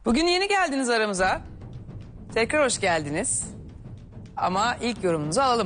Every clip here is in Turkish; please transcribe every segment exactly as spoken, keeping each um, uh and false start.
Bugün yeni geldiniz aramıza. Tekrar hoş geldiniz. Ama ilk yorumunuzu alalım.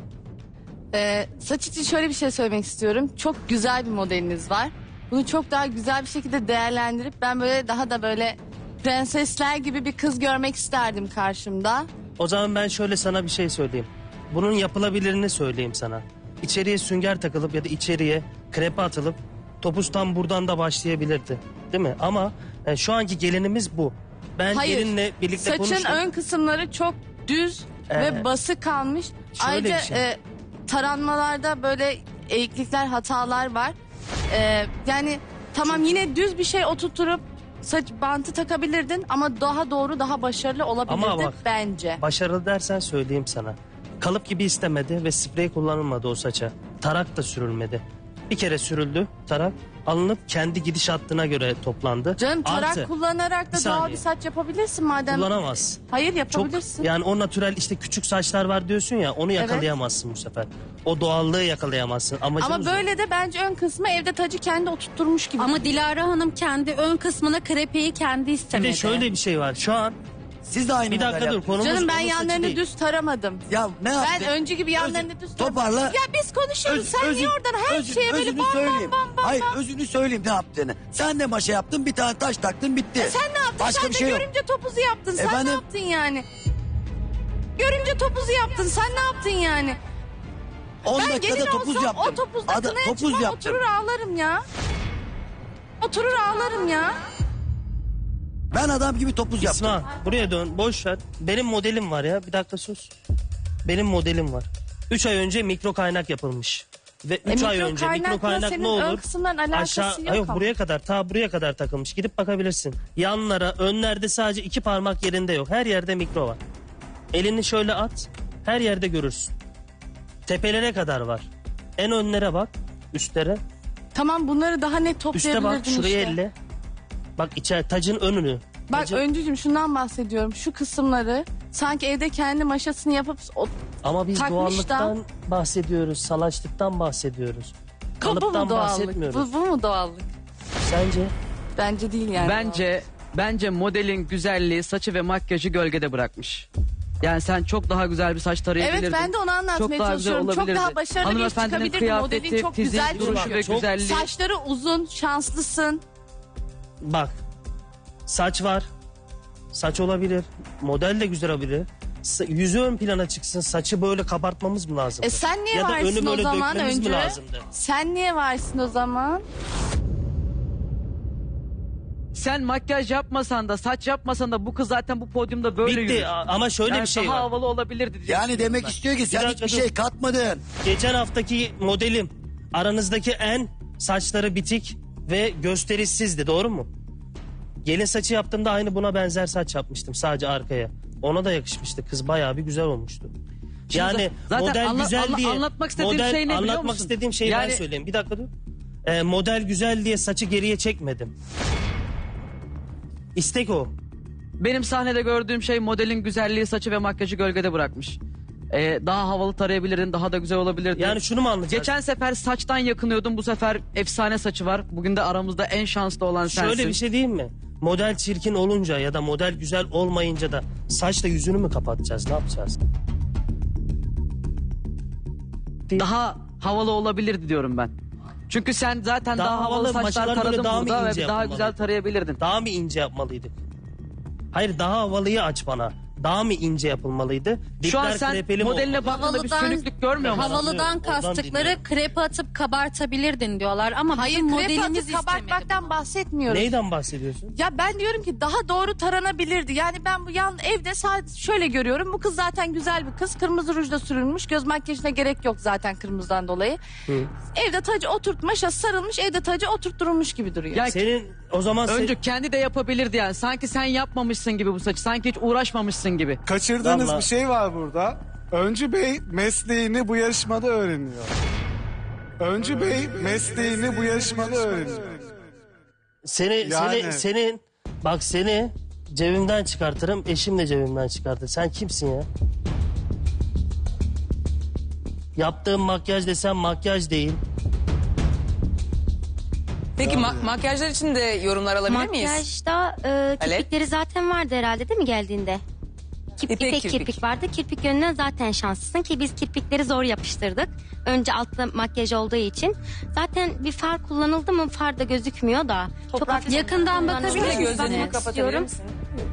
Ee, saç için şöyle bir şey söylemek istiyorum. Çok güzel bir modeliniz var. Bunu çok daha güzel bir şekilde değerlendirip ben böyle daha da böyle prensesler gibi bir kız görmek isterdim karşımda. O zaman ben şöyle sana bir şey söyleyeyim. Bunun yapılabilirini söyleyeyim sana. İçeriye sünger takılıp ya da içeriye krepe atılıp topuz tam buradan da başlayabilirdi. Değil mi? Ama e, şu anki gelinimiz bu. Ben Hayır. gelinle birlikte Saçın konuştum. ön kısımları çok düz Ee, ve bası kalmış. şöyle Ayrıca bir şey. e, taranmalarda böyle eğiklikler, hatalar var. Ee, yani tamam yine düz bir şey oturtup saç bantı takabilirdin ama daha doğru, daha başarılı olabilirdi Ama bak, bence. Başarılı dersen söyleyeyim sana. Kalıp gibi istemedi ve sprey kullanılmadı o saça. Tarak da sürülmedi. Bir kere sürüldü tarak, alınıp kendi gidiş hattına göre toplandı. Canım tarak Artı, kullanarak da bir doğal saniye. bir saç yapabilirsin madem. kullanamaz. Hayır Çok yapabilirsin. yani o natürel işte küçük saçlar var diyorsun ya, onu yakalayamazsın bu sefer. O doğallığı yakalayamazsın. Amacımız Ama o. böyle de bence ön kısmı evde tacı kendi oturtturmuş gibi. Ama Dilara Hanım kendi ön kısmına krepeyi kendi Bir istemedi. de şöyle bir şey var. Şu an Siz de aynı bir dakika model dur, yaptınız. konumuz Canım ben onun saçı yanlarını değil. düz taramadım. Ya ne yaptın? Ben öncü gibi yanlarını Özü- düz taramadım. Toparla. Ya biz konuşuyoruz. Öz- Sen özü- niye oradan her özü- şeye böyle özünü bam söyleyeyim. bam bam bam. Hayır özünü söyleyeyim ne yaptığını. Sen de maşa yaptın, bir tane taş taktın, bitti. E sen ne yaptın? Başka sen bir de şey yok. görümce topuzu yaptın. Sen Efendim? ne yaptın yani? Görümce topuzu yaptın. Sen ne yaptın yani? on Ben dakikada gelin topuz olsam yaptım. o topuzda Ada- kınaya topuz çıkmam, yaptım. oturur ağlarım ya. Oturur ağlarım ya. Ben adam gibi topuz yaptım. İsmail buraya dön, boş ver. Benim modelim var ya, bir dakika sus. Benim modelim var. Üç ay önce mikro kaynak yapılmış. Ve üç E, ay mikro önce mikro kaynakla kaynak senin ne ön olur? kısımların alakası yok yok ama. buraya kadar, ta buraya kadar takılmış. Gidip bakabilirsin. Yanlara, önlerde sadece iki parmak yerinde yok. Her yerde mikro var. Elini şöyle at, her yerde görürsün. Tepelere kadar var. En önlere bak, üstlere. Tamam bunları daha net Üste toplayabilirdin bak, şuraya işte. elle. Bak içeri, tacın önünü. Bak Tacın- öncücüm şundan bahsediyorum. Şu kısımları sanki evde kendi maşasını yapıp o Ama biz takmış da- doğallıktan bahsediyoruz, salaçlıktan bahsediyoruz. bu, bu Kalıptan mu doğallık? bahsetmiyoruz. Bu, bu mu doğallık? Sence? Bence değil yani. Bence bence modelin güzelliği saçı ve makyajı gölgede bırakmış. Yani sen çok daha güzel bir saç tarayabilirdin. Evet ben de onu anlatmaya Çok daha güzel çalışıyorum. Çok olabilirdi. daha başarılı bir iş Hanımefendinin çıkabilirdi. Modelin kıyafeti, çok fiziği, güzel duruşu çünkü. ve Çok- güzelliği. Saçları uzun, şanslısın. Bak, saç var, saç olabilir, model de güzel olabilir. Sa- Yüzü ön plana çıksın, saçı böyle kabartmamız mı lazım? E sen niye ya da varsın önü o böyle zaman dökmemiz mi öncü? lazımdı? Sen niye varsın o zaman? Sen makyaj yapmasan da saç yapmasan da bu kız zaten bu podyumda böyle Bitti yürür. a- ama şöyle Yani bir şey daha var. havalı olabilirdi diye Yani düşünüyorum demek ben. istiyor ki sen dakika hiçbir dur. şey katmadın. Geçen haftaki modelim aranızdaki en saçları bitik ve gösterişsizdi, doğru mu? Gelin saçı yaptığımda aynı buna benzer saç yapmıştım sadece arkaya. Ona da yakışmıştı, kız bayağı bir güzel olmuştu. Yani zaten model anla- güzel anla- diye anlatmak istediğim model, şey ne biliyor anlatmak musun? istediğim şeyi ben Yani- söyleyeyim. Bir dakika dur. Ee, model güzel diye saçı geriye çekmedim. İstek o. Benim sahnede gördüğüm şey modelin güzelliği saçı ve makyajı gölgede bırakmış. Ee, daha havalı tarayabilirdin, daha da güzel olabilirdi. Yani şunu mu anlayacağız? Geçen sefer saçtan yakınıyordun, bu sefer efsane saçı var. Bugün de aramızda en şanslı olan sensin. Şöyle bir şey diyeyim mi? Model çirkin olunca ya da model güzel olmayınca da saçla yüzünü mü kapatacağız? Ne yapacağız? Daha havalı olabilirdi diyorum ben. Çünkü sen zaten Daha daha, havalı, havalı, saçlar maçlar böyle taradın daha mı burada ince ve daha yapılmalı? güzel tarayabilirdin. Daha mı ince yapmalıydık? Hayır, daha havalıyı aç bana. Daha mı ince yapılmalıydı? Şu Dipler an sen krepeli mi modeline olmalı? baktığında bir Havalıdan- sönüklük görmüyor musun? Havalıdan Anlıyorum, oradan kastıkları dinliyorum. krepe atıp kabartabilirdin diyorlar ama Hayır bizim krepe modelimiz atıp istemedi kabartmaktan bunu. bahsetmiyorum. Neyden bahsediyorsun? Ya ben diyorum ki daha doğru taranabilirdi. Yani ben bu yan evde sadece şöyle görüyorum. Bu kız zaten güzel bir kız. Kırmızı rujla sürülmüş. Göz makyajına gerek yok zaten kırmızıdan dolayı. Hı. Evde tacı oturtmuş, sarılmış, evde tacı oturtturulmuş gibi duruyor. Ya Senin o zaman sen- önce kendi de yapabilirdi yani. Sanki sen yapmamışsın gibi bu saçı. Sanki hiç uğraşmamışsın gibi. Kaçırdığınız Vallahi- bir şey var burada. Öncü Bey mesleğini bu yarışmada öğreniyor. Öncü Bey mesleğini bu yarışmada öğreniyor. seni Yani- seni senin bak seni cebimden çıkartırım, eşim de cebimden çıkartır. Sen kimsin ya? Yaptığım makyaj desem makyaj değil. Peki ma- makyajlar için de yorumlar alabilir miyiz? Makyajda e, kirpikleri zaten vardı herhalde değil mi geldiğinde? Kip, İpek ipek kirpik. kirpik. vardı. Kirpik yönünden zaten şanslısın ki biz kirpikleri zor yapıştırdık. Önce altta makyaj olduğu için. Zaten bir far kullanıldı mı far da gözükmüyor da. Çok hafif Yakından kullanıldı. bakabilir Şöyle misiniz? gözlerini Bakmak kapatabilir istiyorum. misin?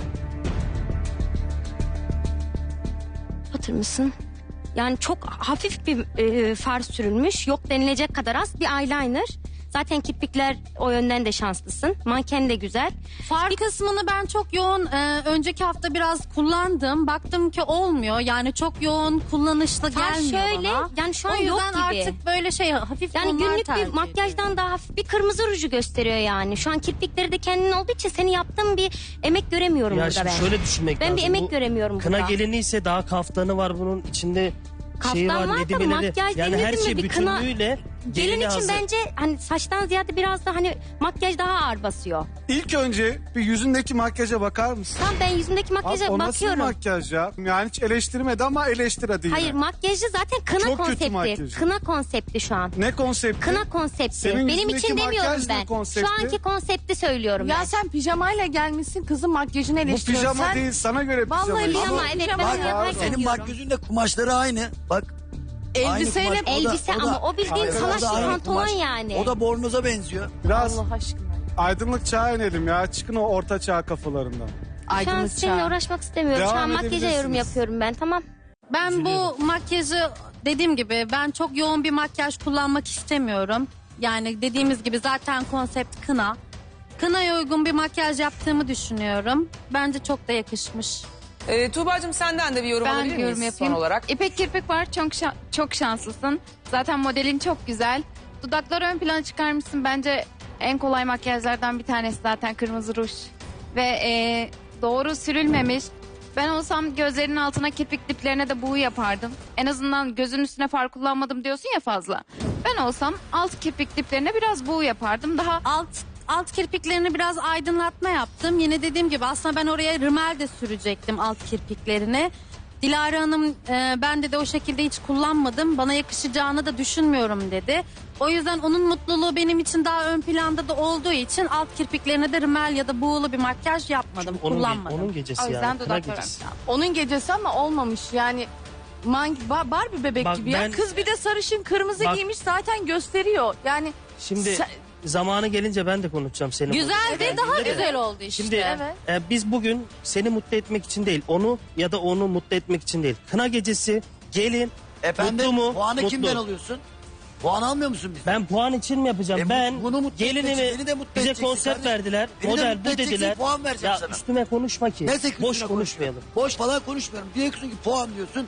Kapatır mısın? Yani çok hafif bir e, far sürülmüş. Yok denilecek kadar az bir eyeliner. Zaten kirpikler o yönden de şanslısın. Manken de güzel. Far kısmını ben çok yoğun e, önceki hafta biraz kullandım. Baktım ki olmuyor. Yani çok yoğun kullanışlı Far gelmiyor şöyle, bana. yani şu an o yok yüzden gibi. artık böyle şey hafif Yani tonlar günlük tercih bir makyajdan ediyorum. daha hafif bir kırmızı ruju gösteriyor yani. Şu an kirpikleri de kendin olduğu için senin yaptığın bir emek göremiyorum Ya burada şimdi ben. şöyle düşünmek Ben lazım. bir emek Bu göremiyorum Kına burada. gelini ise daha kaftanı var bunun içinde. Kaftan şeyi var, var da nedimeleri. makyaj Yani her denildi mi şey bir kına- bütünlüğüyle Gelin gelini için hazır. bence hani saçtan ziyade biraz da hani makyaj daha ağır basıyor. İlk önce bir yüzündeki makyaja bakar mısın? Tam ben yüzümdeki Abi, makyaja o nasıl bir bakıyorum. makyaj ya? Yani hiç eleştirmedi ama eleştir hadi yine. Hayır makyajı zaten kına Çok kötü konsepti. makyajı. Kına konsepti şu an. Ne konsepti? Kına konsepti. Senin Benim yüzündeki için demiyorum makyaj ne ben. konsepti? Şu anki konsepti söylüyorum Ya ben. sen pijamayla gelmişsin kızın makyajını Bu eleştiriyorsun. pijama Sen- değil sana göre pijama. Vallahi işte. Pijama Ama evet ben pijama onu ya. yaparken Senin giyiyorum. makyözün de kumaşları aynı. Bak. Elbiseyle aynı kumaş. O da- Elbise o da- ama o bildiğin Hayır, salaş o da aynı pantolon kumaş. yani. O da bornoza benziyor. Biraz Allah aşkına. aydınlık çağa inelim ya. Çıkın o orta çağ kafalarından. Şu an Aydınlık seninle çağ. uğraşmak istemiyorum. Şu Devam an makyaja yorum edebilirsiniz. yapıyorum ben tamam. Ben bu makyajı dediğim gibi ben çok yoğun bir makyaj kullanmak istemiyorum. Yani dediğimiz gibi zaten konsept kına. Kınaya uygun bir makyaj yaptığımı düşünüyorum. Bence çok da yakışmış. Ee, Tuğba'cığım senden de bir yorum Ben alabilir miyiz yorum yapayım. son olarak? İpek kirpik var çok şa- çok şanslısın. Zaten modelin çok güzel. Dudakları ön plana çıkarmışsın. Bence en kolay makyajlardan bir tanesi zaten kırmızı ruj. Ve e, doğru sürülmemiş. Ben olsam gözlerinin altına kirpik diplerine de buğu yapardım. En azından gözün üstüne far kullanmadım diyorsun ya fazla. Ben olsam alt kirpik diplerine biraz buğu yapardım. Daha Alt alt kirpiklerini biraz aydınlatma yaptım. Yine dediğim gibi aslında ben oraya rimel de sürecektim alt kirpiklerini. Dilara Hanım e, ben de de o şekilde hiç kullanmadım. Bana yakışacağını da düşünmüyorum dedi. O yüzden onun mutluluğu benim için daha ön planda da olduğu için alt kirpiklerine de rimel ya da buğulu bir makyaj yapmadım, Onun, ge- kullanmadım. onun gecesi o yüzden yani. Kına dudaklar ön gecesi. plana. Onun gecesi ama olmamış yani. Man Ba- Barbie bebek Bak gibi ben- ya. Kız bir de sarışın kırmızı Bak- giymiş zaten gösteriyor. Yani Şimdi Sen- zamanı gelince ben de konuşacağım senin. Güzel de daha de. güzel oldu işte. Şimdi Evet. e, biz bugün seni mutlu etmek için değil, onu ya da onu mutlu etmek için değil. Kına gecesi gelin Efendim mutlu mu? puanı Mutlu. kimden alıyorsun? Puan almıyor musun bizden? Ben puan için mi yapacağım? E, bu- ben bunu mutlu etmek için gelinimi beni de mutlu bize edeceksin konsept kardeşim. verdiler. Beni de model mutlu bu edeceksin, dediler. puan vereceğim Ya sana. üstüme konuşma ki. Neyse ki Boş üstüne konuşmayalım. konuşma. Boş falan konuşmuyorum. Diyorsun ki puan diyorsun.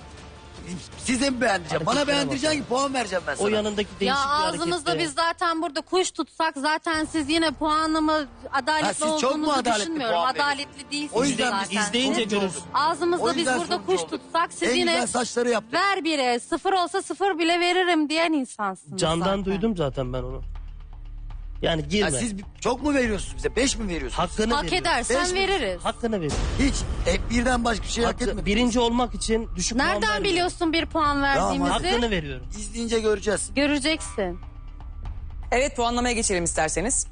Size mi beğendireceğim? Bana Hareketlere beğendireceksin bak ki puan vereceğim ben sana. O yanındaki değişik Ya bir ağzımızda harekette. biz zaten burada kuş tutsak zaten siz yine puanımı Ha, adaletli siz çok mu olduğunuzu adaletli düşünmüyorum. puan veriyorsunuz? Adaletli değilsiniz O yüzden biz zaten. izleyince Sonuç görürüz. olduk. Ağzımızda O biz yüzden burada sonuç kuş olduk. tutsak siz En yine güzel saçları yaptık. ver bire sıfır olsa sıfır bile veririm diyen insansınız Candan zaten. duydum zaten ben onu. Yani girme. Ya siz çok mu veriyorsunuz bize? Beş mi veriyorsunuz? Hakkını Hak veriyorum. edersen Beş mi? veririz. Hakkını ver. Hiç. E, birden başka bir şey hak Hakkı- etmedim. birinci olmak için düşük puan Nereden vermiyorum. biliyorsun bir puan verdiğimizi? Hakkını veriyorum. İzleyince göreceğiz. Göreceksin. Evet puanlamaya geçelim isterseniz.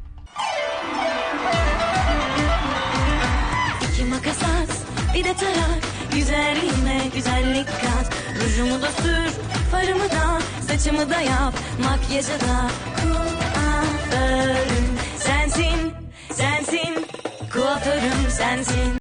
İki makas at, bir de tarak. Güzelliğime güzellik kat. Rujumu da sür, farımı da, saçımı da yap. Makyajı da kuaförüm sensin, sensin. Kuaförüm sensin.